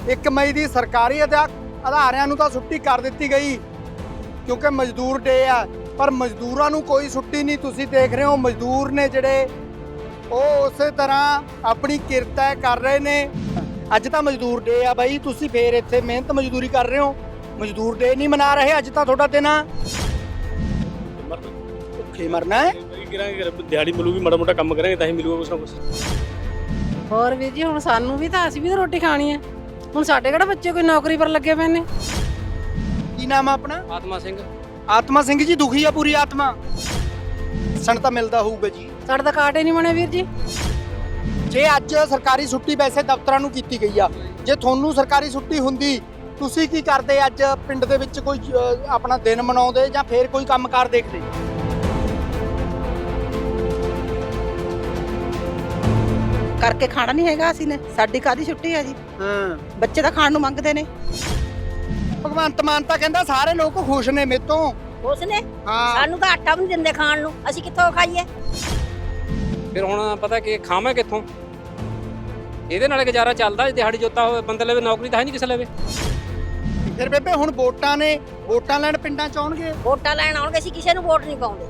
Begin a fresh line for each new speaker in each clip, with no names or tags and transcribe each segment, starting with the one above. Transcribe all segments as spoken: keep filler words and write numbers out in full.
ਇੱਕ ਮਈ ਦੀ ਸਰਕਾਰੀ ਅਧਿਆ ਅਦਾਰਿਆਂ ਨੂੰ ਤਾਂ ਛੁੱਟੀ ਕਰ ਦਿੱਤੀ ਗਈ ਕਿਉਂਕਿ ਮਜ਼ਦੂਰ ਡੇ ਆ, ਪਰ ਮਜ਼ਦੂਰਾਂ ਨੂੰ ਕੋਈ ਛੁੱਟੀ ਨਹੀਂ। ਤੁਸੀਂ ਦੇਖ ਰਹੇ ਹੋ ਮਜ਼ਦੂਰ ਨੇ ਜਿਹੜੇ ਉਹ ਉਸੇ ਤਰ੍ਹਾਂ ਆਪਣੀ ਕਿਰਤ ਕਰ ਰਹੇ ਨੇ। ਅੱਜ ਤਾਂ ਮਜ਼ਦੂਰ ਡੇ ਆ ਬਾਈ, ਤੁਸੀਂ ਫੇਰ ਇੱਥੇ ਮਿਹਨਤ ਮਜ਼ਦੂਰੀ ਕਰ ਰਹੇ ਹੋ, ਮਜ਼ਦੂਰ ਡੇ ਨਹੀਂ ਮਨਾ ਰਹੇ। ਅੱਜ ਤਾਂ ਤੁਹਾਡਾ ਦਿਨ ਆ, ਭੁੱਖੇ ਮਰਨਾ ਹੈ।
ਦਿਹਾੜੀ ਮਿਲੂਗੀ, ਮਾੜਾ ਮੋਟਾ ਕੰਮ ਕਰਾਂਗੇ ਤਾਂ ਹੀ ਮਿਲੂਗਾ ਕੁਛ ਨਾ ਕੁਛ।
ਹੋਰ ਵੀਰ ਜੀ, ਹੁਣ ਸਾਨੂੰ ਵੀ ਤਾਂ ਅਸੀਂ ਵੀ ਤਾਂ ਰੋਟੀ ਖਾਣੀ ਹੈ। ਹੁਣ ਸਾਡੇ ਕਿਹੜਾ ਬੱਚੇ ਕੋਈ ਨੌਕਰੀ ਪਰ ਲੱਗੇ ਪਏ ਨੇ।
ਕੀ ਨਾਮ ਆ ਆਪਣਾ?
ਆਤਮਾ ਸਿੰਘ।
ਆਤਮਾ ਸਿੰਘ ਜੀ, ਦੁਖੀ ਆ ਪੂਰੀ ਆਤਮਾ? ਸਣ ਤਾਂ ਮਿਲਦਾ ਹੋਊਗਾ ਜੀ।
ਸਾਡਾ ਤਾਂ ਕਾਰਡ ਹੀ ਨਹੀਂ ਬਣਿਆ ਵੀਰ ਜੀ।
ਜੇ ਅੱਜ ਸਰਕਾਰੀ ਛੁੱਟੀ ਵੈਸੇ ਦਫ਼ਤਰਾਂ ਨੂੰ ਕੀਤੀ ਗਈ ਆ, ਜੇ ਤੁਹਾਨੂੰ ਸਰਕਾਰੀ ਛੁੱਟੀ ਹੁੰਦੀ ਤੁਸੀਂ ਕੀ ਕਰਦੇ? ਅੱਜ ਪਿੰਡ ਦੇ ਵਿੱਚ ਕੋਈ ਅ, ਆਪਣਾ ਦਿਨ ਮਨਾਉਂਦੇ ਜਾਂ ਫੇਰ ਕੋਈ ਕੰਮਕਾਰ ਦੇਖਦੇ?
ਕਰਕੇ ਖਾਣਾ ਨਹੀਂ ਹੈਗਾ ਅਸੀਂ ਨੇ, ਸਾਡੀ ਕਾਦੀ ਛੁੱਟੀ ਹੈ ਜੀ।
ਹਾਂ,
ਬੱਚੇ ਤਾਂ ਖਾਣ ਨੂੰ ਮੰਗਦੇ ਨੇ।
ਭਗਵੰਤ ਮਾਨ ਤਾਂ ਕਹਿੰਦਾ ਸਾਰੇ ਲੋਕ ਖੁਸ਼ ਨੇ ਮੇਰੇ ਤੋਂ।
ਖੁਸ਼ ਨੇ?
ਹਾਂ,
ਸਾਨੂੰ ਤਾਂ ਆਟਾ ਵੀ ਨਹੀਂ ਦਿੰਦੇ ਖਾਣ ਨੂੰ, ਅਸੀਂ ਕਿੱਥੋਂ ਖਾਈਏ?
ਫਿਰ ਹੁਣ ਪਤਾ ਕਿ ਖਾਵਾਂ ਕਿੱਥੋਂ? ਇਹਦੇ ਨਾਲ ਗੁਜ਼ਾਰਾ ਚੱਲਦਾ। ਦਿਹਾੜੀ ਜੋਤਾ ਹੋਵੇ ਬੰਦੇ ਲਵੇ, ਨੌਕਰੀ ਤਾਂ ਹੈ ਨਹੀਂ ਕਿਸੇ ਲਵੇ।
ਫਿਰ ਬੇਬੇ ਹੁਣ ਵੋਟਾਂ ਨੇ, ਵੋਟਾਂ ਲੈਣ ਪਿੰਡਾਂ ਚ ਆਉਣਗੇ।
ਵੋਟਾਂ ਲੈਣ ਆਉਣਗੇ, ਅਸੀਂ ਕਿਸੇ ਨੂੰ ਵੋਟ ਨਹੀਂ ਪਾਉਂਦੇ।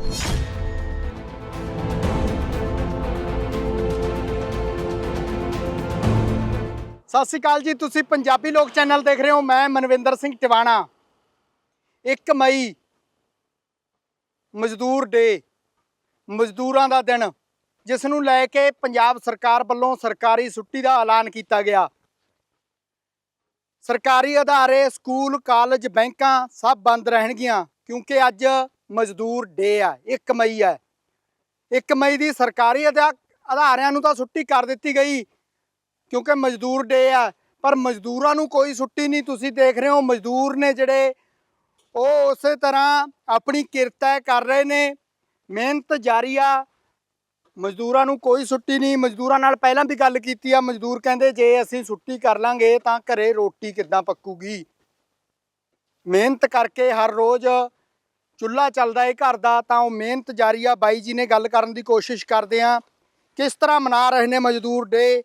ਸਤਿ ਸ਼੍ਰੀ ਅਕਾਲ ਜੀ, ਤੁਸੀਂ ਪੰਜਾਬੀ ਲੋਕ ਚੈਨਲ ਦੇਖ ਰਹੇ ਹੋ। ਮੈਂ ਮਨਵਿੰਦਰ ਸਿੰਘ ਟਿਵਾਣਾ। ਇੱਕ ਮਈ ਮਜ਼ਦੂਰ ਡੇ, ਮਜ਼ਦੂਰਾਂ ਦਾ ਦਿਨ, ਜਿਸ ਨੂੰ ਲੈ ਕੇ ਪੰਜਾਬ ਸਰਕਾਰ ਵੱਲੋਂ ਸਰਕਾਰੀ ਛੁੱਟੀ ਦਾ ਐਲਾਨ ਕੀਤਾ ਗਿਆ। ਸਰਕਾਰੀ ਅਦਾਰੇ, ਸਕੂਲ, ਕਾਲਜ, ਬੈਂਕਾਂ ਸਭ ਬੰਦ ਰਹਿਣਗੀਆਂ ਕਿਉਂਕਿ ਅੱਜ ਮਜ਼ਦੂਰ ਡੇ ਆ। ਇੱਕ ਮਈ ਹੈ। ਇੱਕ ਮਈ ਦੀ ਸਰਕਾਰੀ ਅਧਿਆ ਅਦਾਰਿਆਂ ਨੂੰ ਤਾਂ ਛੁੱਟੀ ਕਰ ਦਿੱਤੀ ਗਈ ਕਿਉਂਕਿ ਮਜ਼ਦੂਰ ਡੇ ਆ, ਪਰ ਮਜ਼ਦੂਰਾਂ ਨੂੰ ਕੋਈ ਛੁੱਟੀ ਨਹੀਂ। ਤੁਸੀਂ ਦੇਖ ਰਹੇ ਹੋ ਮਜ਼ਦੂਰ ਨੇ ਜਿਹੜੇ ਉਹ ਉਸੇ ਤਰ੍ਹਾਂ ਆਪਣੀ ਕਿਰਤ ਕਰ ਰਹੇ ਨੇ, ਮਿਹਨਤ ਜਾਰੀ ਆ। ਮਜ਼ਦੂਰਾਂ ਨੂੰ ਕੋਈ ਛੁੱਟੀ ਨਹੀਂ। ਮਜ਼ਦੂਰਾਂ ਨਾਲ ਪਹਿਲਾਂ ਵੀ ਗੱਲ ਕੀਤੀ ਆ। ਮਜ਼ਦੂਰ ਕਹਿੰਦੇ ਜੇ ਅਸੀਂ ਛੁੱਟੀ ਕਰ ਲਾਂਗੇ ਤਾਂ ਘਰੇ ਰੋਟੀ ਕਿੱਦਾਂ ਪੱਕੂਗੀ। ਮਿਹਨਤ ਕਰਕੇ ਹਰ ਰੋਜ਼ ਚੁੱਲ੍ਹਾ ਚੱਲਦਾ ਏ ਘਰ ਦਾ, ਤਾਂ ਉਹ ਮਿਹਨਤ ਜਾਰੀ ਆ। ਬਾਈ ਜੀ ਨੇ ਗੱਲ ਕਰਨ ਦੀ ਕੋਸ਼ਿਸ਼ ਕਰਦੇ ਆ ਕਿਸ ਤਰ੍ਹਾਂ ਮਨਾ ਰਹੇ ਨੇ ਮਜ਼ਦੂਰ ਡੇ।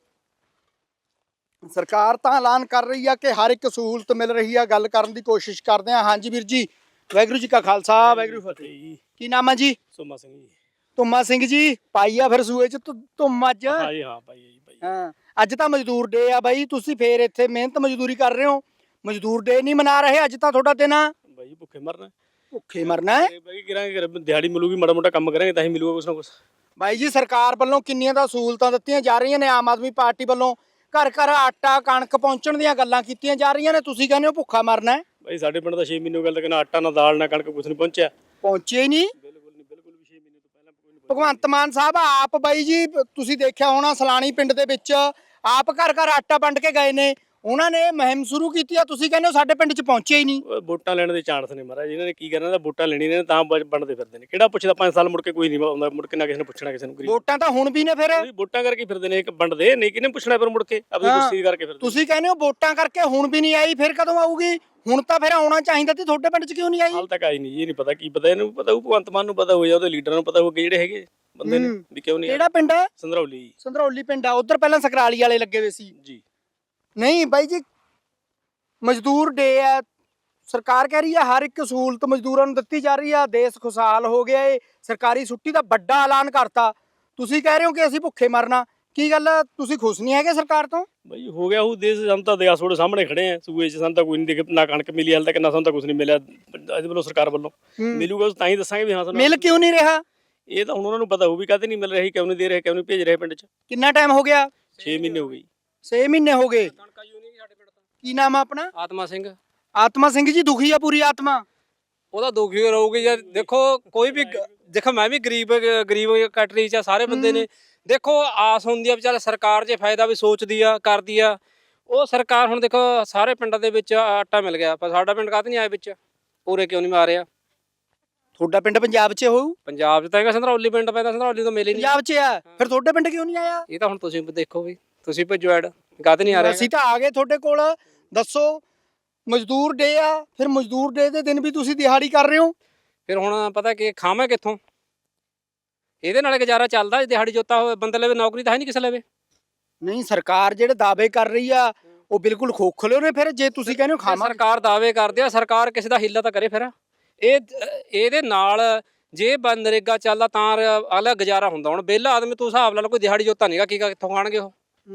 ਸਰਕਾਰ ਤਾਂ ਐਲਾਨ ਕਰ ਰਹੀ ਆ ਕਿ ਹਰ ਇੱਕ ਸਹੂਲਤ ਮਿਲ ਰਹੀ ਆ। ਗੱਲ ਕਰਨ ਦੀ ਕੋਸ਼ਿਸ਼ ਕਰਦੇ ਆ। ਹਾਂਜੀ ਵੀਰ ਜੀ, ਵਾਹਿਗੁਰੂ ਜੀ ਕਾ ਖਾਲਸਾ, ਵਾਹਿਗੁਰੂ ਫਤਿਹ। ਕੀ ਨਾਮ ਆ ਜੀ?
ਸੋਮਾ ਸਿੰਘ ਜੀ।
ਧੁੰਮਾ ਸਿੰਘ ਜੀ, ਪਾਈ ਆ ਫਿਰ ਸੂਏ ਚ ਧੁੰਮ ਅੱਜ?
ਹਾਂ ਜੀ, ਹਾਂ ਭਾਈ ਜੀ ਭਾਈ।
ਹਾਂ, ਅੱਜ ਤਾਂ ਮਜ਼ਦੂਰ ਡੇ ਆ ਬਾਈ, ਤੁਸੀਂ ਫੇਰ ਇੱਥੇ ਮਿਹਨਤ ਮਜ਼ਦੂਰੀ ਕਰ ਰਹੇ ਹੋ, ਮਜ਼ਦੂਰ ਡੇ ਨਹੀਂ ਮਨਾ ਰਹੇ। ਅੱਜ ਤਾਂ ਤੁਹਾਡਾ ਦਿਨ ਆ,
ਭਾਈ ਭੁੱਖੇ ਮਰਨਾ।
ਭੁੱਖੇ ਮਰਨਾ ਹੈ।
ਭਾਈ ਕਰਾਂਗੇ, ਦਿਹਾੜੀ ਮਿਲੂਗੀ, ਮਾੜਾ ਮੋਟਾ ਕੰਮ ਕਰਾਂਗੇ ਤਾਂ ਹੀ ਮਿਲੂਗਾ ਕੁਛ ਨਾ ਕੁਛ।
ਬਾਈ ਜੀ, ਸਰਕਾਰ ਵੱਲੋਂ ਕਿੰਨੀਆਂ ਤਾਂ ਸਹੂਲਤਾਂ ਦਿੱਤੀਆਂ ਜਾ ਰਹੀਆਂ ਨੇ। ਆਮ ਆਦਮੀ ਪਾਰਟੀ ਵੱਲੋਂ ਘਰ ਘਰ ਆਟਾ ਕਣਕ ਪਹੁੰਚਣ ਦੀਆਂ ਗੱਲਾਂ ਕੀਤੀਆਂ ਜਾ ਰਹੀਆਂ ਨੇ। ਤੁਸੀਂ ਕਹਿੰਦੇ ਹੋ ਭੁੱਖਾ ਮਰਨਾ ਹੈ।
ਭਾਈ ਸਾਡੇ ਪਿੰਡ ਦਾ ਛੇ ਮਹੀਨੇ ਹੋ ਗਏ, ਨਾ ਆਟਾ ਨਾ ਦਾਲ ਨਾ ਕਣਕ ਕੁਛ ਨਹੀਂ ਪਹੁੰਚਿਆ।
ਪਹੁੰਚੇ ਹੀ ਨਹੀਂ।
ਬਿਲਕੁਲ ਨਹੀਂ, ਬਿਲਕੁਲ ਵੀ ਛੇ ਮਹੀਨੇ ਤੋਂ ਪਹਿਲਾਂ ਕੋਈ ਨਹੀਂ।
ਭਗਵੰਤ ਮਾਨ ਸਾਹਿਬ ਆਪ ਬਾਈ ਜੀ, ਤੁਸੀਂ ਦੇਖਿਆ ਹੋਣਾ ਸਲਾਣੀ ਪਿੰਡ ਦੇ ਵਿੱਚ ਆਪ ਘਰ ਘਰ ਆਟਾ ਵੰਡ ਕੇ ਗਏ ਨੇ। ਉਹਨਾਂ ਨੇ ਮੁਹਿੰਮ ਸ਼ੁਰੂ ਕੀਤੀ ਆ, ਤੁਸੀਂ ਕਹਿੰਦੇ ਹੋ ਸਾਡੇ ਪਿੰਡ 'ਚ ਪਹੁੰਚੇ ਹੀ ਨਹੀਂ।
ਵੋਟਾਂ ਲੈਣ ਦੇ ਚਾਂਸ ਨੇ ਮਹਾਰਾਜ। ਇਹਨਾਂ ਨੇ ਕੀ ਕਰਨਾ, ਵੋਟਾਂ ਲੈਣੀ ਨੇ ਤਾਂ ਵੰਡਦੇ ਫਿਰਦੇ ਨੇ। ਕਿਹੜਾ ਪੁੱਛਦਾ? ਪੰਜ ਸਾਲ ਮੁੜ ਕੇ ਕੋਈ ਨਹੀਂ ਆਉਂਦਾ, ਮੁੜ ਕੇ ਨਾ ਕਿਸੇ ਨੇ ਪੁੱਛਣਾ ਕਿਸੇ ਨੂੰ।
ਵੋਟਾਂ ਤਾਂ ਹੁਣ ਵੀ ਨੇ ਫਿਰ।
ਵੋਟਾਂ ਕਰਕੇ ਫਿਰਦੇ ਨੇ, ਇੱਕ ਵੰਡਦੇ ਨਹੀਂ, ਕਿਹਨੇ ਪੁੱਛਣਾ ਫਿਰ ਮੁੜ ਕੇ ਆਪਣੀ ਕੁਰਸੀ ਕਰਕੇ ਫਿਰਦੇ।
ਤੁਸੀਂ ਕਹਿੰਦੇ ਹੋ ਵੋਟਾਂ ਕਰਕੇ ਹੁਣ ਵੀ ਨਹੀਂ ਆਈ, ਫਿਰ ਕਦੋਂ ਆਊਗੀ? ਹੁਣ ਤਾਂ ਫਿਰ ਆਉਣਾ ਚਾਹੀਦਾ ਤੇ ਤੁਹਾਡੇ ਪਿੰਡ 'ਚ ਕਿਉਂ ਨਹੀਂ ਆਈ?
ਹਾਲ ਤੱਕ ਆਈ ਨਹੀਂ। ਇਹ ਨਹੀਂ ਪਤਾ ਕੀ ਪਤਾ, ਇਹਨੂੰ ਪਤਾ ਹੋਊ, ਭਗਵੰਤ ਮਾਨ ਨੂੰ ਪਤਾ ਹੋਊ ਜਾਂ ਉਹਦੇ ਲੀਡਰਾਂ ਨੂੰ ਪਤਾ ਹੋਊਗਾ ਜਿਹੜੇ ਹੈਗੇ ਬੰਦੇ ਨੇ ਵੀ ਕਿਉਂ ਨਹੀਂ।
ਕਿਹੜਾ ਪਿੰਡ ਹੈ?
ਸੰਧਰੌਲੀ।
ਸੰਧਰੌਲੀ ਪਿੰਡ ਆ। ਉਧਰ ਪਹਿਲਾਂ ਸਕਰਾਲੀ ਵਾਲੇ ਲੱਗੇ ਹੋਏ ਸੀ
ਜੀ।
ਨਹੀਂ ਬਾਈ ਜੀ, ਮਜ਼ਦੂਰ ਡੇ ਆ। ਸਰਕਾਰ ਕਹਿ ਰਹੀ ਆ ਹਰ ਇੱਕ ਸਹੂਲਤ ਮਜ਼ਦੂਰਾਂ ਨੂੰ ਦਿੱਤੀ ਜਾ ਰਹੀ ਆ। ਦੇਸ਼ ਖੁਸ਼ਹਾਲ ਹੋ ਗਿਆ ਏ। ਸਰਕਾਰੀ ਛੁੱਟੀ ਦਾ ਵੱਡਾ ਐਲਾਨ ਕਰਤਾ। ਤੁਸੀਂ ਕਹਿ ਰਹੇ ਹੋ ਕਿ ਅਸੀਂ ਭੁੱਖੇ ਮਰਨਾ। ਕੀ ਗੱਲ, ਤੁਸੀਂ ਖੁਸ਼ ਨਹੀਂ ਹੈਗੇ ਸਰਕਾਰ ਤੋਂ?
ਬਈ ਹੋ ਗਿਆ ਉਹ ਦੇਸ਼। ਸਾਨੂੰ ਤਾਂ ਦਿਆ ਤੁਹਾਡੇ ਸਾਹਮਣੇ ਖੜੇ ਆ ਸੂਏ 'ਚ। ਸਾਨੂੰ ਤਾਂ ਕੋਈ ਨਹੀਂ ਦਿਖ, ਨਾ ਕਣਕ ਮਿਲੀ ਹਾਲ ਤੱਕ, ਨਾ ਸਾਨੂੰ ਤਾਂ ਕੁਝ ਨਹੀਂ ਮਿਲਿਆ ਇਹਦੇ ਵੱਲੋਂ, ਸਰਕਾਰ ਵੱਲੋਂ। ਮਿਲੂਗਾ ਤਾਂ ਹੀ ਦੱਸਾਂਗੇ ਵੀ ਹਾਂ ਸਾਨੂੰ
ਮਿਲ ਕਿਉਂ ਨਹੀਂ ਰਿਹਾ।
ਇਹ ਤਾਂ ਹੁਣ ਉਹਨਾਂ ਨੂੰ ਪਤਾ ਹੋਊ ਵੀ ਕਾਹਤੇ ਨਹੀਂ ਮਿਲ ਰਹੀ, ਕਿਉਂ ਨਹੀਂ ਦੇ ਰਹੇ, ਕਿਉਂ ਨਹੀਂ ਭੇਜ ਰਹੇ ਪਿੰਡ 'ਚ।
ਕਿੰਨਾ ਟਾਈਮ ਹੋ ਗਿਆ?
ਛੇ ਮਹੀਨੇ ਹੋ ਗਏ।
ਛੇ ਮਹੀਨੇ ਹੋ ਗਏ। ਕੀ ਨਾਮ ਆ ਆਪਣਾ?
ਆਤਮਾ ਸਿੰਘ।
ਆਤਮਾ ਸਿੰਘ ਜੀ, ਦੁਖੀ ਆ ਪੂਰੀ ਆਤਮਾ?
ਉਹਦਾ ਦੁਖੀ ਰਹੂਗੀ ਯਾਰ। ਦੇਖੋ ਕੋਈ ਵੀ, ਦੇਖੋ ਮੈਂ ਵੀ ਗਰੀਬ ਗਰੀਬ ਕੈਟਰੀ ਚ ਆ, ਸਾਰੇ ਬੰਦੇ ਨੇ। ਦੇਖੋ ਆਸ ਹੁੰਦੀ ਆ ਵੀ ਚੱਲ ਸਰਕਾਰ ਜੇ ਫਾਇਦਾ ਵੀ ਸੋਚਦੀ ਆ, ਕਰਦੀ ਆ। ਉਹ ਸਰਕਾਰ ਹੁਣ ਦੇਖੋ ਸਾਰੇ ਪਿੰਡਾਂ ਦੇ ਵਿੱਚ ਆਟਾ ਮਿਲ ਗਿਆ, ਪਰ ਸਾਡਾ ਪਿੰਡ ਕਾਹਤੇ ਨਹੀਂ ਆਇਆ ਵਿੱਚ? ਪੂਰੇ ਕਿਉਂ ਨਹੀਂ ਮਾਰਿਆ?
ਤੁਹਾਡਾ ਪਿੰਡ ਪੰਜਾਬ 'ਚ ਹੋਊ?
ਪੰਜਾਬ 'ਚ ਤਾਂ ਹੈਗਾ, ਸੰਧਰੌਲੀ ਪਿੰਡ ਪੈਂਦਾ, ਸੰਧਰੌਲੀ ਤੋਂ ਮਿਲੇ ਨਹੀਂ।
ਪੰਜਾਬ 'ਚ ਆ, ਫਿਰ ਤੁਹਾਡੇ ਪਿੰਡ ਕਿਉਂ ਨਹੀਂ ਆਇਆ?
ਇਹ ਤਾਂ ਹੁਣ ਤੁਸੀਂ ਦੇਖੋ ਵੀ, ਤੁਸੀਂ ਭੇਜੋ ਐਡ, ਕਾਹਤੇ ਨਹੀਂ ਆ ਰਿਹਾ?
ਅਸੀਂ ਤਾਂ ਆ ਗਏ ਤੁਹਾਡੇ ਕੋਲ। ਦੱਸੋ, ਮਜ਼ਦੂਰ ਡੇ ਆ, ਫਿਰ ਮਜ਼ਦੂਰ ਡੇ ਦੇ ਦਿਨ ਵੀ ਤੁਸੀਂ ਦਿਹਾੜੀ ਕਰ ਰਹੇ ਹੋ।
ਫਿਰ ਹੁਣ ਪਤਾ ਕਿ ਖਾਵਾਂ ਕਿੱਥੋਂ? ਇਹਦੇ ਨਾਲ ਗੁਜ਼ਾਰਾ ਚੱਲਦਾ। ਦਿਹਾੜੀ ਜੋਤਾ ਹੋਵੇ ਬੰਦੇ ਲਵੇ, ਨੌਕਰੀ ਤਾਂ ਹੈ ਨਹੀਂ ਕਿਸੇ ਲਵੇ।
ਨਹੀਂ, ਸਰਕਾਰ ਜਿਹੜੇ ਦਾਅਵੇ ਕਰ ਰਹੀ ਆ ਉਹ ਬਿਲਕੁਲ ਖੋਖਲੇ ਨੇ ਫਿਰ ਜੇ ਤੁਸੀਂ ਕਹਿੰਦੇ ਹੋ ਖਾਵਾਂ
ਸਰਕਾਰ ਦਾਅਵੇ ਕਰਦੀ ਆ, ਸਰਕਾਰ ਕਿਸੇ ਦਾ ਹਿੱਲਾ ਤਾਂ ਕਰੇ ਫਿਰ। ਇਹ ਇਹਦੇ ਨਾਲ ਜੇ ਬੰਦ ਨਰੇਗਾ ਚੱਲਦਾ ਤਾਂ ਅਗਲਾ ਗੁਜ਼ਾਰਾ ਹੁੰਦਾ। ਹੁਣ ਵਿਹਲਾ ਆਦਮੀ ਤੂੰ ਹਿਸਾਬ ਲਾ ਲਓ, ਕੋਈ ਦਿਹਾੜੀ ਜੋਤਾ ਨਹੀਂਗਾ, ਕੀ ਕਿੱਥੋਂ ਖਾਣਗੇ ਉਹ।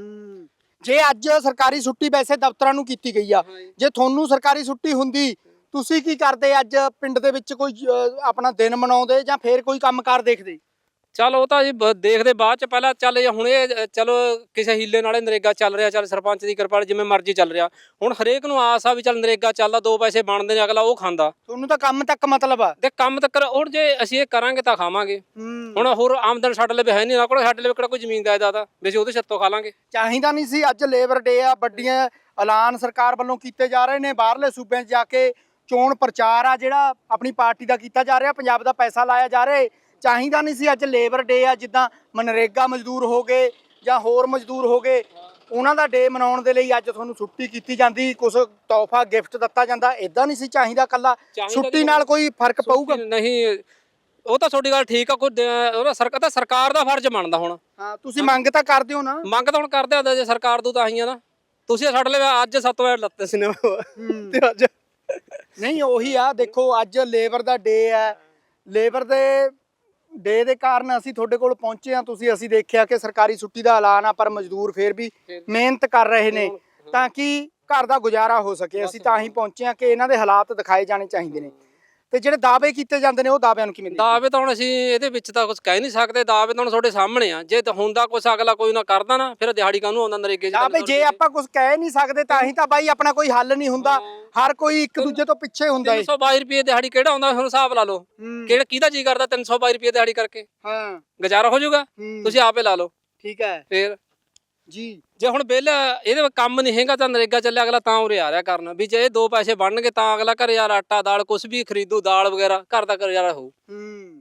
ਜੇ ਅੱਜ ਸਰਕਾਰੀ ਛੁੱਟੀ ਵੈਸੇ ਦਫ਼ਤਰਾਂ ਨੂੰ ਕੀਤੀ ਗਈ ਆ, ਜੇ ਤੁਹਾਨੂੰ ਸਰਕਾਰੀ ਛੁੱਟੀ ਹੁੰਦੀ ਤੁਸੀਂ ਕੀ ਕਰਦੇ? ਅੱਜ ਪਿੰਡ ਦੇ ਵਿੱਚ ਕੋਈ ਅਹ, ਆਪਣਾ ਦਿਨ ਮਨਾਉਂਦੇ ਜਾਂ ਫੇਰ ਕੋਈ ਕੰਮਕਾਰ ਦੇਖਦੇ?
ਚੱਲ ਉਹ ਤਾਂ ਜੀ ਬ- ਦੇਖਦੇ ਬਾਅਦ ਚ, ਪਹਿਲਾਂ ਚੱਲ ਜੇ ਹੁਣ ਇਹ ਅ, ਚਲੋ ਕਿਸੇ ਹੀਲੇ ਨਾਲੇ ਨਰੇਗਾ ਚੱਲ ਰਿਹਾ, ਚੱਲ ਸਰਪੰਚ ਦੀ ਕਿਰਪਾ ਨਾਲ ਜਿਵੇਂ ਮਰਜ਼ੀ ਚੱਲ ਰਿਹਾ। ਹੁਣ ਹਰੇਕ ਨੂੰ ਆਸ ਆ ਵੀ ਚੱਲ ਨਰੇਗਾ ਚੱਲਦਾ, ਦੋ ਪੈਸੇ ਬਣਦੇ ਨੇ, ਅਗਲਾ ਉਹ ਖਾਂਦਾ।
ਤੁਹਾਨੂੰ ਤਾਂ ਕੰਮ ਤੱਕ ਮਤਲਬ ਆ।
ਤੇ ਕੰਮ ਤੱਕ ਹੁਣ ਜੇ ਅਸੀਂ ਇਹ ਕਰਾਂਗੇ ਤਾਂ ਖਾਵਾਂਗੇ। ਹੁਣ ਹੋਰ ਆਮਦਨ ਸਾਡੇ ਲਈ ਹੈ ਨਹੀਂ, ਨਾ ਕੋਲ ਸਾਡੇ ਲਈ ਕਿਹੜਾ ਕੋਈ ਜ਼ਮੀਨ ਜਾਇਦਾਦ ਆ ਵੀ ਅਸੀਂ ਉਹਦੇ ਸਿਰ ਤੋਂ ਖਾ ਲਾਂਗੇ।
ਚਾਹੀਦਾ ਨਹੀਂ ਸੀ। ਅੱਜ ਲੇਬਰ ਡੇ ਆ, ਵੱਡੀਆਂ ਐਲਾਨ ਸਰਕਾਰ ਵੱਲੋਂ ਕੀਤੇ ਜਾ ਰਹੇ ਨੇ। ਬਾਹਰਲੇ ਸੂਬਿਆਂ 'ਚ ਜਾ ਕੇ ਚੋਣ ਪ੍ਰਚਾਰ ਆ ਜਿਹੜਾ ਆਪਣੀ ਪਾਰਟੀ ਦਾ ਕੀਤਾ ਜਾ ਰਿਹਾ, ਪੰਜਾਬ ਦਾ ਪੈਸਾ ਲਾਇਆ ਜਾ ਰਿਹਾ। ਚਾਹੀਦਾ ਨਹੀਂ ਸੀ ਅੱਜ ਲੇਬਰ ਡੇ ਆ, ਜਿੱਦਾਂ ਮਨਰੇਗਾ ਮਜ਼ਦੂਰ ਹੋ ਗਏ ਜਾਂ ਹੋਰ ਮਜ਼ਦੂਰ ਹੋ ਗਏ, ਉਹਨਾਂ ਦਾ ਡੇ ਮਨਾਉਣ ਦੇ ਲਈ ਅੱਜ ਤੁਹਾਨੂੰ ਛੁੱਟੀ ਕੀਤੀ ਜਾਂਦੀ, ਕੁਝ ਤੋਹਫਾ ਗਿਫਟ ਦਿੱਤਾ ਜਾਂਦਾ। ਇਦਾਂ ਨਹੀਂ ਸੀ ਚਾਹੀਦਾ। ਕੱਲਾ ਛੁੱਟੀ ਨਾਲ ਕੋਈ ਫਰਕ ਪਊਗਾ
ਨਹੀਂ? ਉਹ ਤਾਂ ਤੁਹਾਡੀ ਗੱਲ ਠੀਕ ਆ, ਕੋਈ ਉਹਦਾ ਸਰਕਾਰ ਤਾਂ ਸਰਕਾਰ ਦਾ ਫਰਜ਼ ਬਣਦਾ। ਹੁਣ
ਹਾਂ, ਤੁਸੀਂ ਮੰਗ ਤਾਂ ਕਰਦੇ ਹੋ ਨਾ।
ਮੰਗ ਤਾਂ ਹੁਣ ਕਰਦੇ ਆ, ਜੇ ਸਰਕਾਰ ਤੋਂ ਤਾਂ ਆਈਆਂ ਨਾ। ਤੁਸੀਂ ਸਾਡੇ ਲਈ ਅੱਜ ਸੱਤ ਵਜੇ ਲੱਤੇ ਸੀ ਤੇ ਅੱਜ
ਨਹੀਂ ਉਹੀ ਆ। ਦੇਖੋ ਅੱਜ ਲੇਬਰ ਦਾ ਡੇ ਹੈ, ਲੇਬਰ ਦੇ ਡੇ ਦੇ ਕਾਰਨ ਅਸੀਂ ਤੁਹਾਡੇ ਕੋਲ ਪਹੁੰਚੇ ਆ। ਤੁਸੀਂ ਅਸੀਂ ਦੇਖਿਆ ਕਿ ਸਰਕਾਰੀ ਛੁੱਟੀ ਦਾ ਐਲਾਨ ਆ, ਪਰ ਮਜ਼ਦੂਰ ਫੇਰ ਵੀ ਮਿਹਨਤ ਕਰ ਰਹੇ ਨੇ ਤਾਂ ਕਿ ਘਰ ਦਾ ਗੁਜ਼ਾਰਾ ਹੋ ਸਕੇ। ਅਸੀਂ ਤਾਂ ਹੀ ਪਹੁੰਚੇ ਆ ਕਿ ਇਹਨਾਂ ਦੇ ਹਾਲਾਤ ਦਿਖਾਏ ਜਾਣੇ ਚਾਹੀਦੇ ਨੇ। ਤੇ ਜਿਹੜੇ ਦਾਅਵੇ ਕੀਤੇ ਜਾਂਦੇ ਨੇ ਉਹ ਦਾਅਵਿਆਂ ਨੂੰ ਕਿਵੇਂ ਦੇਖਦੇ?
ਦਾਅਵੇ ਤਾਂ ਹੁਣ ਅਸੀਂ ਇਹਦੇ ਵਿੱਚ ਤਾਂ ਕੁਝ ਕਹਿ ਨਹੀਂ ਸਕਦੇ। ਦਾਅਵੇ ਤਾਂ ਹੁਣ ਤੁਹਾਡੇ ਸਾਹਮਣੇ ਆ। ਜੇ ਹੁੰਦਾ ਕੁਛ ਅਗਲਾ ਕੋਈ ਨਾ ਕਰਦਾ ਨਾ, ਫਿਰ ਦਿਹਾੜੀ ਕਾਹਨੂੰ ਆਉਂਦਾ ਨਰੇਗੇ 'ਚ?
ਦਾਅਵੇ ਜੇ ਆਪਾਂ ਕੁਝ ਕਹਿ ਨਹੀਂ ਸਕਦੇ ਤਾਂ ਹੀ ਤਾਂ ਬਾਈ ਆਪਣਾ ਕੋਈ ਹੱਲ ਨਹੀਂ ਹੁੰਦਾ। ਹਰ ਕੋਈ ਇੱਕ ਦੂਜੇ ਤੋਂ ਪਿੱਛੇ ਹੁੰਦਾ ਏ।
ਤਿੰਨ ਸੌ ਬਾਈ ਰੁਪਏ ਦਿਹਾੜੀ ਕਿਹੜਾ ਆਉਂਦਾ? ਹੁਣ ਹਿਸਾਬ ਲਾ ਲਓ, ਕਿਹੜਾ ਕਿਹਦਾ ਜੀ ਕਰਦਾ ਤਿੰਨ ਸੌ ਬਾਈ ਰੁਪਏ ਦਿਹਾੜੀ ਕਰਕੇ?
ਹਾਂ,
ਗੁਜ਼ਾਰਾ ਹੋ ਜਾਊਗਾ? ਤੁਸੀਂ ਆਪੇ ਲਾ ਲਓ।
ਠੀਕ ਹੈ
ਫਿਰ
ਜੀ।
ਜੇ ਹੁਣ ਬਿੱਲ ਇਹਦੇ ਵਿੱਚ ਕੰਮ ਨਹੀਂ ਹੈਗਾ ਤਾਂ ਨਰੇਗਾ ਚੱਲਿਆ, ਅਗਲਾ ਤਾਂ ਉਰੇ ਆ ਰਿਹਾ ਕਰਨ ਵੀ ਜੇ ਇਹ ਦੋ ਪੈਸੇ ਬਣਨਗੇ ਤਾਂ ਅਗਲਾ ਘਰੇ ਯਾਰ ਆਟਾ ਦਾਲ ਕੁਝ ਵੀ ਖਰੀਦੂ, ਦਾਲ ਵਗੈਰਾ ਘਰ ਦਾ ਗੁਜ਼ਾਰਾ ਹੋਊ।
ਹੂੰ,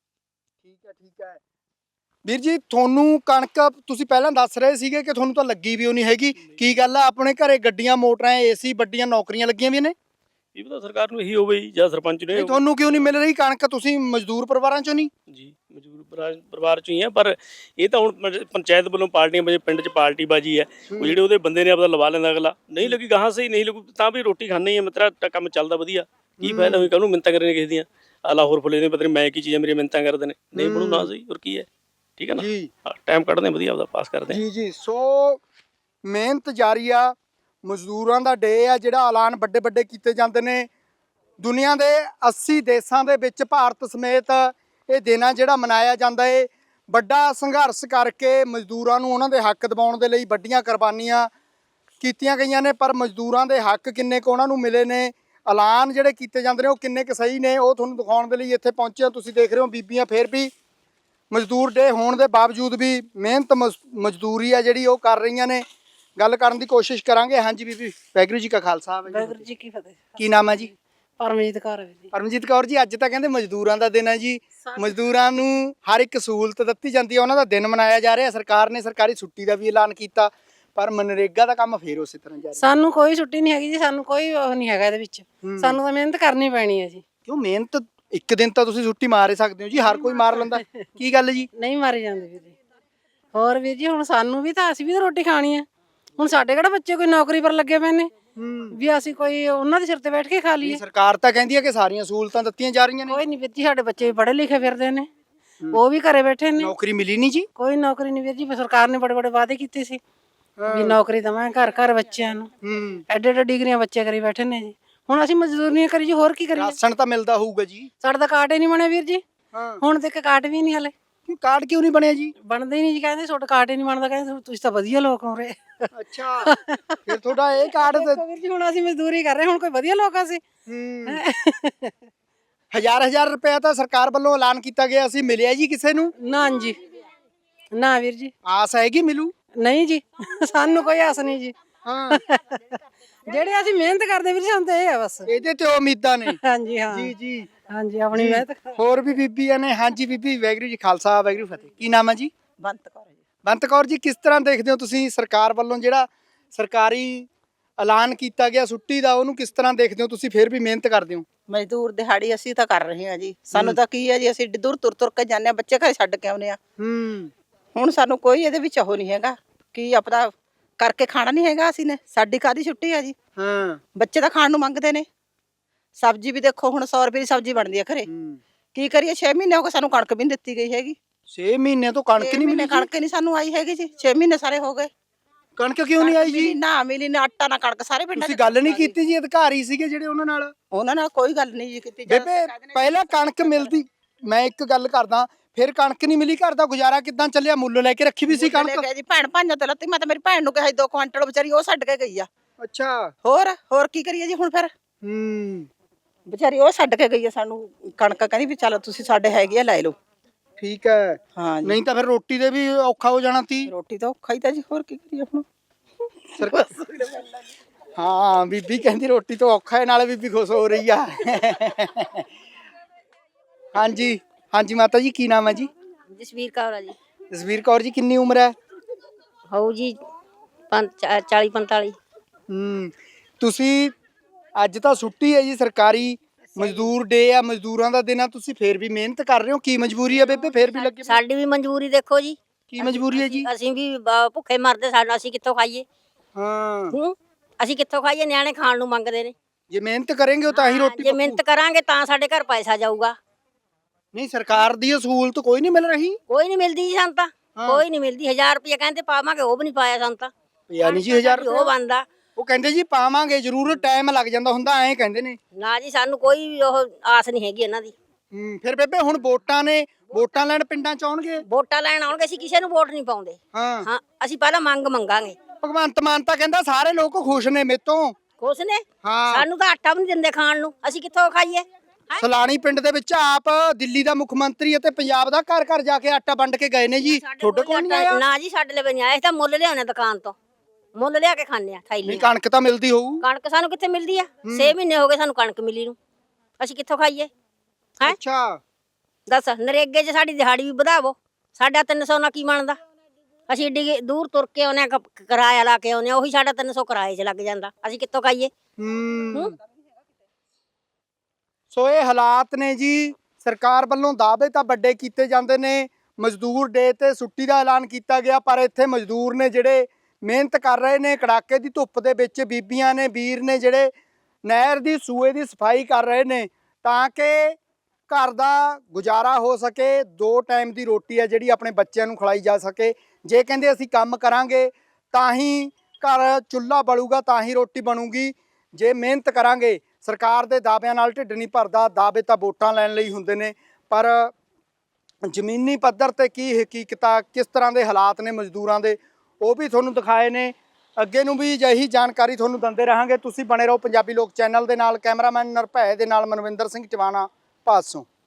ਠੀਕ ਹੈ ਠੀਕ ਹੈ। ਵੀਰ ਜੀ ਤੁਹਾਨੂੰ ਕਣਕ ਤੁਸੀਂ ਪਹਿਲਾਂ ਦੱਸ ਰਹੇ ਸੀਗੇ ਕਿ ਤੁਹਾਨੂੰ ਤਾਂ ਲੱਗੀ ਵੀ ਉਹ ਨਹੀਂ ਹੈਗੀ, ਕੀ ਗੱਲ ਆ? ਆਪਣੇ ਘਰੇ ਗੱਡੀਆਂ, ਮੋਟਰਾਂ, ਏਸੀ, ਵੱਡੀਆਂ ਨੌਕਰੀਆਂ ਲੱਗੀਆਂ ਵੀ ਨੇ।
ਇਹ ਤਾਂ ਸਰਕਾਰ ਨੂੰ ਇਹੀ ਹੋਵੇ ਜਾਂ ਸਰਪੰਚ ਨੂੰ
ਨਹੀਂ, ਤੁਹਾਨੂੰ ਕਿਉਂ ਨਹੀਂ ਮਿਲ ਰਹੀ ਕਣਕ? ਤੁਸੀਂ ਮਜ਼ਦੂਰ ਪਰਿਵਾਰਾਂ ਚੋਂ ਨਹੀਂ?
ਜੀ ਮਜ਼ਦੂਰ ਪਰਿਵਾਰ- ਪਰਿਵਾਰ ਚੋਂ ਹੀ ਆ, ਪਰ ਇਹ ਤਾਂ ਹੁਣ ਪੰਚ- ਪੰਚਾਇਤ ਵੱਲੋਂ ਪਾਰਟੀਆਂ ਵਜੇ ਪਿੰਡ 'ਚ ਪਾਰਟੀ ਬਾਜੀ ਹੈ। ਉਹ ਜਿਹੜੇ ਉਹਦੇ ਬੰਦੇ ਨੇ ਆਪਦਾ ਲਵਾ ਲੈਂਦਾ, ਅਗਲਾ ਨਹੀਂ ਲੱਗੀ ਗਾਹਾਂ ਸਹੀ ਨਹੀਂ ਲੱਗੂ ਤਾਂ ਵੀ ਰੋਟੀ ਖਾਣੀ ਹੈ। ਮਿੱਤਰਾ ਤਾਂ ਕੰਮ ਚੱਲਦਾ ਵਧੀਆ, ਕੀ ਫਾਇਦਾ ਹੋਈ ਕਾਹਨੂੰ ਮਿੰਤਾਂ ਕਰਨੇ ਕਿਸੇ ਦੀਆਂ? ਆਲਾ ਹੋਰ ਫੁੱਲੇ ਨੇ ਪਤਾ ਨਹੀਂ ਮੈਂ ਕੀ ਚੀਜ਼ ਹੈ, ਮੇਰੀ ਮਿੰਤਾਂ ਕਰਦੇ ਨੇ। ਨਹੀਂ ਬਣੂ ਨਾ ਸਹੀ, ਹੋਰ ਕੀ ਹੈ? ਠੀਕ ਹੈ ਨਾ, ਟਾਈਮ ਕੱਢਦੇ ਵਧੀਆ, ਆਪਦਾ ਪਾਸ ਕਰਦੇ
ਜੀ ਜੀ। ਸੋ ਮਿਹਨਤ ਜਾਰੀ ਆ, ਮਜ਼ਦੂਰਾਂ ਦਾ ਡੇ ਆ ਜਿਹੜਾ ਐਲਾਨ ਵੱਡੇ ਵੱਡੇ ਕੀਤੇ ਜਾਂਦੇ ਨੇ। ਦੁਨੀਆ ਦੇ ਅੱਸੀ ਦੇਸ਼ਾਂ ਦੇ ਵਿੱਚ ਭਾਰਤ ਸਮੇਤ ਇਹ ਦਿਨ ਆ ਜਿਹੜਾ ਮਨਾਇਆ ਜਾਂਦਾ ਏ। ਵੱਡਾ ਸੰਘਰਸ਼ ਕਰਕੇ ਮਜ਼ਦੂਰਾਂ ਨੂੰ ਉਹਨਾਂ ਦੇ ਹੱਕ ਦਿਵਾਉਣ ਦੇ ਲਈ ਵੱਡੀਆਂ ਕੁਰਬਾਨੀਆਂ ਕੀਤੀਆਂ ਗਈਆਂ ਨੇ, ਪਰ ਮਜ਼ਦੂਰਾਂ ਦੇ ਹੱਕ ਕਿੰਨੇ ਕੁ ਉਹਨਾਂ ਨੂੰ ਮਿਲੇ ਨੇ, ਐਲਾਨ ਜਿਹੜੇ ਕੀਤੇ ਜਾਂਦੇ ਨੇ ਉਹ ਕਿੰਨੇ ਕੁ ਸਹੀ ਨੇ, ਉਹ ਤੁਹਾਨੂੰ ਦਿਖਾਉਣ ਦੇ ਲਈ ਇੱਥੇ ਪਹੁੰਚੇ ਹਾਂ। ਤੁਸੀਂ ਦੇਖ ਰਹੇ ਹੋ ਬੀਬੀਆਂ ਫੇਰ ਵੀ ਮਜ਼ਦੂਰ ਡੇ ਹੋਣ ਦੇ ਬਾਵਜੂਦ ਵੀ ਮਿਹਨਤ ਮਜ਼ਦੂਰੀ ਆ ਜਿਹੜੀ ਉਹ ਕਰ ਰਹੀਆਂ ਨੇ। ਗੱਲ ਕਰਨ ਦੀ ਕੋਸ਼ਿਸ਼ ਕਰਾਂਗੇ। ਹਾਂਜੀ ਬੀਬੀ, ਵਾਹਿਗੁਰੂ ਜੀ ਕਾ ਖਾਲਸਾ,
ਵਾਹਿਗੁਰੂ ਜੀ ਕੀ ਫਤਿਹ।
ਕੀ ਨਾਮ ਹੈ ਜੀ?
ਪਰਮਜੀਤ ਕੌਰ ਹੈ ਜੀ।
ਪਰਮਜੀਤ ਕੌਰ ਜੀ, ਅੱਜ ਤਾਂ ਕਹਿੰਦੇ ਮਜ਼ਦੂਰਾਂ ਦਾ ਦਿਨ ਹੈ ਜੀ। ਮਜ਼ਦੂਰਾਂ ਨੂੰ ਹਰ ਇੱਕ ਸਹੂਲਤ ਦਿੱਤੀ ਜਾਂਦੀ ਹੈ, ਉਹਨਾਂ ਦਾ ਦਿਨ ਮਨਾਇਆ ਜਾ ਰਿਹਾ। ਸਰਕਾਰ ਨੇ ਸਰਕਾਰੀ ਛੁੱਟੀ ਦਾ ਵੀ ਐਲਾਨ ਕੀਤਾ, ਪਰ ਮਨਰੇਗਾ ਦਾ ਕੰਮ ਫੇਰ ਉਸੇ ਤਰ੍ਹਾਂ ਜਾਰੀ।
ਸਾਨੂੰ ਕੋਈ ਛੁੱਟੀ ਨਹੀਂ ਹੈਗੀ ਜੀ, ਸਾਨੂੰ ਕੋਈ ਉਹ ਨਹੀਂ ਹੈਗਾ ਇਹਦੇ ਵਿੱਚ। ਸਾਨੂੰ ਤਾਂ ਮਿਹਨਤ ਕਰਨੀ ਪੈਣੀ ਹੈ ਜੀ।
ਕਿਉਂ ਮਿਹਨਤ? ਇੱਕ ਦਿਨ ਤਾਂ ਤੁਸੀਂ ਛੁੱਟੀ ਮਾਰ ਹੀ ਸਕਦੇ ਹੋ ਜੀ, ਹਰ ਕੋਈ ਮਾਰ ਲੈਂਦਾ। ਕੀ ਗੱਲ ਜੀ?
ਨਹੀਂ ਮਾਰੇ ਜਾਂਦੇ ਵੀਰ ਜੀ। ਹੋਰ ਵੀਰ ਜੀ ਹੁਣ ਸਾਨੂੰ ਵੀ ਤਾਂ ਅਸੀਂ ਵੀ ਤਾਂ ਰੋਟੀ ਖਾਣੀ ਹੈ। ਹੁਣ ਸਾਡੇ ਕਿਹੜਾ ਬੱਚੇ ਕੋਈ ਨੌਕਰੀ ਪਰ ਲੱਗੇ ਪਏ ਨੇ ਵੀ ਅਸੀਂ ਕੋਈ ਉਹਨਾਂ ਦੇ ਸਿਰ ਤੇ ਬੈਠ ਕੇ ਖਾ ਲਈਏ?
ਸਰਕਾਰ ਤਾਂ ਕਹਿੰਦੀ ਹੈ ਕਿ ਸਾਰੀਆਂ ਸਹੂਲਤਾਂ ਦਿੱਤੀਆਂ ਜਾ ਰਹੀਆਂ ਨੇ।
ਕੋਈ ਨਹੀਂ ਵੀਰ ਜੀ, ਸਾਡੇ ਬੱਚੇ ਵੀ ਪੜ੍ਹੇ ਲਿਖੇ ਫਿਰਦੇ ਨੇ, ਉਹ ਵੀ ਘਰੇ ਬੈਠੇ ਨੇ।
ਨੌਕਰੀ ਮਿਲੀ ਨਹੀਂ ਜੀ?
ਕੋਈ ਨੌਕਰੀ ਨਹੀਂ ਵੀਰ ਜੀ। ਸਰਕਾਰ ਨੇ ਬੜੇ ਬੜੇ ਵਾਅਦੇ ਕੀਤੇ ਸੀ ਵੀ ਨੌਕਰੀ ਦਵਾਂਗੇ ਘਰ ਘਰ ਬੱਚਿਆਂ ਨੂੰ। ਐਡੇ ਐਡੇ ਡਿਗਰੀਆਂ ਬੱਚੇ ਕਰੀ ਬੈਠੇ ਨੇ ਜੀ। ਹੁਣ ਅਸੀਂ ਮਜ਼ਦੂਰੀਆਂ ਕਰੀ ਜੀ, ਹੋਰ ਕੀ ਕਰੀਏ?
ਰਾਸ਼ਨ ਤਾਂ ਮਿਲਦਾ ਹੋਊਗਾ ਜੀ।
ਸਾਡਾ ਤਾਂ ਕਾਰਡ ਹੀ ਨਹੀਂ ਬਣਿਆ ਵੀਰ ਜੀ। ਹੁਣ ਤੱਕ ਕਾਰਡ ਵੀ ਨਹੀਂ ਹਲੇ।
ਕਿਉਂ ਕਾਰਡ ਕਿਉਂ ਨਹੀਂ ਬਣਿਆ ਜੀ?
ਬਣਦੇ ਹੀ ਨਹੀਂ ਜੀ, ਕਹਿੰਦੇ ਤੁਹਾਡਾ ਕਾਰਡ ਹੀ ਨਹੀਂ ਬਣਦਾ। ਕਹਿੰਦੇ ਤੁਸੀਂ ਤਾਂ ਵਧੀਆ ਲੋਕ ਹੋ ਰਹੇ।
ਅੱਛਾ, ਫਿਰ ਤੁਹਾਡਾ ਇਹ ਕਾਰਡ
ਵੀਰ ਜੀ ਹੁਣ ਅਸੀਂ ਮਜ਼ਦੂਰੀ ਕਰ ਰਹੇ, ਹੁਣ ਕੋਈ ਵਧੀਆ ਲੋਕ ਆ ਅਸੀਂ?
ਹਜ਼ਾਰ ਹਜ਼ਾਰ ਰੁਪਏ ਤਾਂ ਸਰਕਾਰ ਵੱਲੋਂ ਐਲਾਨ ਕੀਤਾ ਗਿਆ ਸੀ, ਮਿਲਿਆ ਜੀ ਕਿਸੇ ਨੂੰ?
ਨਾ ਜੀ, ਨਾ ਵੀਰ ਜੀ।
ਆਸ ਹੈਗੀ ਮਿਲੂ?
ਨਹੀਂ ਜੀ, ਸਾਨੂੰ ਕੋਈ ਆਸ ਨਹੀਂ ਜੀ।
ਹਾਂ,
ਜਿਹੜੇ ਅਸੀਂ ਮਿਹਨਤ ਕਰਦੇ ਵੀਰ ਜੀ, ਸਾਨੂੰ ਤਾਂ ਇਹ ਆ ਬਸ।
ਇਹਦੇ ਤੇ ਉਮੀਦਾਂ ਨੇ।
ਹਾਂਜੀ ਹਾਂ
ਜੀ ਜੀ
ਹਾਂਜੀ, ਆਪਣੀ ਮਿਹਨਤ।
ਹੋਰ ਵੀ ਬੀਬੀਆਂ ਨੇ। ਹਾਂਜੀ ਬੀਬੀ, ਵਾਹਿਗੁਰੂ ਜੀ ਖਾਲਸਾ, ਵਾਹਿਗੁਰੂ ਫਤਿਹ। ਕੀ ਨਾਮ ਹੈ ਜੀ?
ਬੰਤ ਕੌਰ ਜੀ।
ਬੰਤ ਕੌਰ ਜੀ, ਕਿਸ ਤਰ੍ਹਾਂ ਦੇਖਦੇ ਹੋ ਤੁਸੀਂ ਸਰਕਾਰ ਵੱਲੋਂ ਜਿਹੜਾ ਸਰਕਾਰੀ ਐਲਾਨ ਕੀਤਾ ਗਿਆ ਛੁੱਟੀ ਦਾ, ਉਹਨੂੰ ਕਿਸ ਤਰ੍ਹਾਂ ਦੇਖਦੇ ਹੋ ਤੁਸੀਂ? ਫਿਰ ਵੀ ਮਿਹਨਤ ਕਰਦੇ ਹੋ।
ਮਜ਼ਦੂਰ ਦਿਹਾੜੀ ਅਸੀਂ ਤਾਂ ਕਰ ਰਹੇ ਹਾਂ ਜੀ। ਸਾਨੂੰ ਤਾਂ ਕੀ ਹੈ ਜੀ, ਅਸੀਂ ਦੂਰ ਤੁਰ ਤੁਰ ਕੇ ਜਾਂਦੇ ਹਾਂ, ਬੱਚੇ ਘਰੇ ਛੱਡ ਕੇ ਆਉਂਦੇ ਆ।
ਹੂੰ,
ਹੁਣ ਸਾਨੂੰ ਕੋਈ ਇਹਦੇ ਵਿੱਚ ਉਹ ਨਹੀਂ ਹੈਗਾ ਕਿ ਆਪਣਾ ਕਰਕੇ ਖਾਣਾ ਨਹੀਂ ਹੈਗਾ ਅਸੀਂ ਨੇ, ਸਾਡੀ ਕਾਦੀ ਛੁੱਟੀ ਆ ਜੀ।
ਹਾਂ
ਬੱਚੇ ਤਾਂ ਖਾਣ ਨੂੰ ਮੰਗਦੇ ਨੇ। ਸਬਜ਼ੀ ਵੀ ਦੇਖੋ ਹੁਣ ਸੌ ਰੁਪਏ ਦੀ ਸਬਜ਼ੀ ਬਣਦੀ ਆ ਘਰੇ, ਕੀ ਕਰੀਏ? ਛੇ ਮਹੀਨੇ ਹੋ ਗਏ ਸਾਨੂੰ ਕਣਕ ਵੀ ਨਹੀਂ ਦਿੱਤੀ ਗਈ ਹੈਗੀ।
ਛੇ ਮਹੀਨੇ ਤੋਂ ਕਣਕ
ਛੇ
ਨਹੀਂ
ਮਹੀਨੇ
ਮਿਲੀ
ਕਣਕ ਨਹੀਂ ਸਾਨੂੰ ਆਈ ਹੈਗੀ ਜੀ, ਛੇ ਮਹੀਨੇ ਸਾਰੇ ਹੋ ਗਏ।
ਕਣਕ ਕਿਉਂ ਨਹੀਂ ਆਈ
ਮਿਲੀ
ਜੀ?
ਨਾ ਮਿਲੀ ਨਾ ਆਟਾ ਨਾ ਕਣਕ, ਸਾਰੇ ਪਿੰਡਾਂ
ਤੁਸੀਂ
'ਚ
ਗੱਲ ਨਹੀਂ ਕੀਤੀ ਜੀ, ਅਧਿਕਾਰੀ ਸੀਗੇ ਜਿਹੜੇ ਉਹਨਾਂ ਨਾਲ?
ਉਹਨਾਂ ਨਾਲ ਕੋਈ ਗੱਲ ਨਹੀਂ ਜੀ ਕੀਤੀ।
ਬੇਬੇ ਪਹਿਲਾਂ ਕਣਕ ਮਿਲਦੀ, ਮੈਂ ਇੱਕ ਗੱਲ ਕਰਦਾ, ਫਿਰ ਕਣਕ ਨਹੀਂ ਮਿਲੀ, ਘਰ ਦਾ ਗੁਜ਼ਾਰਾ ਕਿੱਦਾਂ ਚੱਲਿਆ? ਮੁੱਲ ਲੈ ਕੇ ਰੱਖੀ ਵੀ ਸੀ ਕਣਕ?
ਜੀ ਭੈਣ ਭਾਈਆਂ ਤੇ ਲੱਤੀ, ਮੈਂ ਤਾਂ ਮੇਰੀ ਭੈਣ ਨੂੰ ਕਿਹਾ ਸੀ ਦੋ ਕੁਆਂਟਲ, ਵਿਚਾਰੀ ਉਹ ਛੱਡ ਕੇ ਗਈ ਆ।
ਅੱਛਾ
ਹੋਰ ਹੋਰ ਕੀ ਕਰੀਏ ਜੀ ਹੁਣ ਫਿਰ?
ਹੂੰ
ਵਿਚਾਰੀ ਉਹ ਛੱਡ ਕੇ ਗਈ ਆ ਸਾਨੂੰ ਕਣਕ, ਕਹਿੰਦੀ ਵੀ ਚਲੋ ਤੁਸੀਂ ਸਾਡੇ ਹੈਗੇ ਆ ਲੈ ਲਓ।
ਠੀਕ ਹੈ,
ਹਾਂ ਜੀ,
ਨਹੀਂ ਤਾਂ ਫਿਰ ਰੋਟੀ ਦੇ ਵੀ ਔਖਾ ਹੋ ਜਾਣਾ ਸੀ।
ਰੋਟੀ ਤਾਂ ਔਖਾ ਹੀ ਤਾਂ ਜੀ, ਹੋਰ ਕੀ ਕਰੀਏ ਹੁਣ?
ਹਾਂ ਬੀਬੀ ਕਹਿੰਦੀ ਰੋਟੀ ਤੋਂ ਔਖਾ ਹੈ, ਨਾਲੇ ਬੀਬੀ ਖੁਸ਼ ਹੋ ਰਹੀ ਆ। ਹਾਂਜੀ ਹਾਂਜੀ ਮਾਤਾ ਜੀ, ਕੀ ਨਾਮ ਹੈ ਜੀ?
ਜਸਵੀਰ ਕੌਰ ਆ ਜੀ।
ਜਸਵੀਰ ਕੌਰ ਜੀ, ਕਿੰਨੀ ਉਮਰ ਹੈ?
ਹੋਊ ਜੀ ਚਾਲੀ ਪੰਤਾਲੀ।
ਹੂੰ ਤੁਸੀਂ ਅੱਜ ਤਾਂ ਛੁੱਟੀ ਹੈ ਜੀ, ਸਰਕਾਰੀ ਮਜ਼ਦੂਰ ਡੇ ਆ, ਮਜ਼ਦੂਰਾਂ ਦਾ ਦਿਨ ਆ, ਤੁਸੀਂ ਫੇਰ ਵੀ ਮਿਹਨਤ ਕਰ ਰਹੇ ਹੋ, ਕੀ ਮਜਬੂਰੀ ਹੈ ਬੇਬੇ? ਫੇਰ ਵੀ ਲੱਗੇ?
ਸਾਡੀ ਵੀ ਮਨਜ਼ੂਰੀ ਦੇਖੋ ਜੀ,
ਕੀ ਮਜਬੂਰੀ ਹੈ ਜੀ?
ਅਸੀਂ ਵੀ ਬ- ਭੁੱਖੇ ਮਰਦੇ, ਸਾਡਾ ਅਸੀਂ ਕਿੱਥੋਂ ਖਾਈਏ?
ਹਾਂ
ਹੂੰ ਅਸੀਂ ਕਿੱਥੋਂ ਖਾਈਏ? ਨਿਆਣੇ ਖਾਣ ਨੂੰ ਮੰਗਦੇ ਨੇ।
ਜੇ ਮਿਹਨਤ ਕरेंगे ਤਾਂ ਹੀ ਰੋਟੀ
ਜੇ ਮਿਹਨਤ ਕਰਾਂਗੇ ਤਾਂ ਸਾਡੇ ਘਰ ਪੈਸਾ ਜਾਊਗਾ।
ਨਹੀਂ ਸਰਕਾਰ ਦੀ ਸਹੂਲਤ ਕੋਈ ਨਹੀਂ ਮਿਲ ਰਹੀ?
ਕੋਈ ਨਹੀਂ ਮਿਲਦੀ ਜੀ ਸਾਨੂੰ ਤਾਂ, ਕੋਈ ਨਹੀਂ ਮਿਲਦੀ। ਹਜ਼ਾਰ ਰੁਪਏ ਕਹਿੰਦੇ ਪਾਵਾਂਗੇ, ਉਹ ਵੀ ਨਹੀਂ ਪਾਇਆ ਸਾਨੂੰ ਤਾਂ।
ਯਾਨੀ ਜੀ ਹਜ਼ਾਰ
ਉਹ ਬੰਦਾ
ਉਹ ਕਹਿੰਦੇ ਜੀ ਪਾਵਾਂਗੇ ਜ਼ਰੂਰ, ਟਾਈਮ ਲੱਗ ਜਾਂਦਾ ਹੁੰਦਾ, ਐਂ ਕਹਿੰਦੇ ਨੇ।
ਨਾ ਜੀ, ਸਾਨੂੰ ਕੋਈ ਉਹ ਆਸ ਨਹੀਂ ਹੈਗੀ ਇਹਨਾਂ ਦੀ।
ਹੂੰ ਫਿਰ ਬੇਬੇ ਹੁਣ ਵੋਟਾਂ ਨੇ, ਵੋਟਾਂ ਲੈਣ ਪਿੰਡਾਂ ਚ ਆਉਣਗੇ?
ਵੋਟਾਂ ਲੈਣ ਆਉਣਗੇ, ਅਸੀਂ ਕਿਸੇ ਨੂੰ ਵੋਟ ਨਹੀਂ ਪਾਉਂਦੇ।
ਹਾਂ
ਹਾਂ ਅਸੀਂ ਪਹਿਲਾਂ ਮੰਗ ਮੰਗਾਂਗੇ।
ਭਗਵੰਤ ਮਾਨ ਤਾਂ ਕਹਿੰਦਾ ਸਾਰੇ ਲੋਕ ਖੁਸ਼ ਨੇ ਮੇਤੋਂ।
ਖੁਸ਼ ਨੇ?
ਹਾਂ
ਸਾਨੂੰ ਤਾਂ ਆਟਾ ਵੀ ਨਹੀਂ ਦਿੰਦੇ ਖਾਣ ਨੂੰ, ਅਸੀਂ ਕਿੱਥੋਂ ਖਾਈਏ?
ਸਲਾਣੀ ਪਿੰਡ ਦੇ ਵਿੱਚ ਆਪ ਦਿੱਲੀ ਦਾ ਮੁੱਖ ਮੰਤਰੀ ਅਤੇ ਪੰਜਾਬ ਦਾ ਘਰ ਘਰ ਜਾ ਕੇ ਆਟਾ ਵੰਡ ਕੇ ਗਏ ਨੇ ਜੀ, ਤੁਹਾਡੇ ਕੋਲ ਨਹੀਂ ਆਇਆ?
ਨਾ ਜੀ, ਸਾਡੇ ਲਈ ਨਹੀਂ ਆਇਆ। ਅਸੀਂ ਤਾਂ ਮੁੱਲ ਲਿਆਉਣੇ ਦੁਕਾਨ ਤੋਂ, ਮੁੱਲ ਲਿਆ ਕੇ ਖਾਂਦੇ ਆ ਥੈਲੀ।
ਨਹੀਂ ਕਣਕ ਤਾਂ ਮਿਲਦੀ ਹੋਊ?
ਕਣਕ ਸਾਨੂੰ ਕਿੱਥੇ ਮਿਲਦੀ ਆ? ਛੇ ਮਹੀਨੇ ਹੋ ਗਏ ਸਾਨੂੰ ਕਣਕ ਮਿਲੀ ਨੂੰ, ਅਸੀਂ ਕਿੱਥੋਂ ਖਾਈਏ? ਹੈ
ਅੱਛਾ
ਦੱਸ, ਨਰੇਗੇ 'ਚ ਸਾਡੀ ਦਿਹਾੜੀ ਵੀ ਵਧਾਵੋ, ਸਾਡਾ ਤਿੰਨ ਸੌ ਨਾਲ ਕੀ ਬਣਦਾ? ਅਸੀਂ ਏਡੀ ਦੂਰ ਤੁਰ ਕੇ ਆਉਂਦੇ ਆ, ਕਿਰਾਇਆ ਲਾ ਕੇ ਆਉਂਦੇ ਆ, ਉਹੀ ਸਾਡਾ ਤਿੰਨ ਸੌ ਕਿਰਾਏ 'ਚ ਲੱਗ ਜਾਂਦਾ, ਅਸੀਂ ਕਿੱਥੋਂ ਖਾਈਏ?
ਹੂੰ ਸੋ ਇਹ ਹਾਲਾਤ ਨੇ ਜੀ। ਸਰਕਾਰ ਵੱਲੋਂ ਦਾਅਵੇ ਤਾਂ ਵੱਡੇ ਕੀਤੇ ਜਾਂਦੇ ਨੇ, ਮਜ਼ਦੂਰ ਡੇ ਤੇ ਛੁੱਟੀ ਦਾ ਐਲਾਨ ਕੀਤਾ ਗਿਆ, ਪਰ ਇੱਥੇ ਮਜ਼ਦੂਰ ਨੇ ਜਿਹੜੇ ਮਿਹਨਤ ਕਰ ਰਹੇ ਨੇ, ਕੜਾਕੇ ਦੀ ਧੁੱਪ ਦੇ ਵਿੱਚ ਬੀਬੀਆਂ ਨੇ, ਵੀਰ ਨੇ ਜਿਹੜੇ ਨਹਿਰ ਦੀ ਸੂਏ ਦੀ ਸਫਾਈ ਕਰ ਰਹੇ ਨੇ ਤਾਂ ਕਿ ਘਰ ਦਾ ਗੁਜ਼ਾਰਾ ਹੋ ਸਕੇ, ਦੋ ਟਾਈਮ ਦੀ ਰੋਟੀ ਹੈ ਜਿਹੜੀ ਆਪਣੇ ਬੱਚਿਆਂ ਨੂੰ ਖਿਲਾਈ ਜਾ ਸਕੇ। ਜੇ ਕਹਿੰਦੇ ਅਸੀਂ ਕੰਮ ਕਰਾਂਗੇ ਤਾਂ ਹੀ ਘਰ ਚੁੱਲ੍ਹਾ ਬਲੂਗਾ, ਤਾਂ ਹੀ ਰੋਟੀ ਬਣੂਗੀ। ਜੇ ਮਿਹਨਤ ਕਰਾਂਗੇ, ਸਰਕਾਰ ਦੇ ਦਾਅਵਿਆਂ ਨਾਲ ਢਿੱਡ ਨਹੀਂ ਭਰਦਾ। ਦਾਅਵੇ ਤਾਂ ਵੋਟਾਂ ਲੈਣ ਲਈ ਹੁੰਦੇ ਨੇ, ਪਰ ਜ਼ਮੀਨੀ ਪੱਧਰ ਤੇ ਕੀ ਹਕੀਕਤਾਂ, ਕਿਸ ਤਰ੍ਹਾਂ ਦੇ ਹਾਲਾਤ ਨੇ ਮਜ਼ਦੂਰਾਂ ਦੇ, ਉਹ ਵੀ ਤੁਹਾਨੂੰ ਦਿਖਾਏ ਨੇ। ਅੱਗੇ ਨੂੰ ਵੀ ਅਜਿਹੀ ਜਾਣਕਾਰੀ ਤੁਹਾਨੂੰ ਦਿੰਦੇ ਰਹਾਂਗੇ। ਤੁਸੀਂ ਬਣੇ ਰਹੋ ਪੰਜਾਬੀ ਲੋਕ ਚੈਨਲ ਦੇ ਨਾਲ। ਕੈਮਰਾਮੈਨ ਨਿਰਭੈ ਦੇ ਨਾਲ ਮਨਵਿੰਦਰ ਸਿੰਘ ਟਿਵਾਣਾ, ਭਾਦਸੋਂ।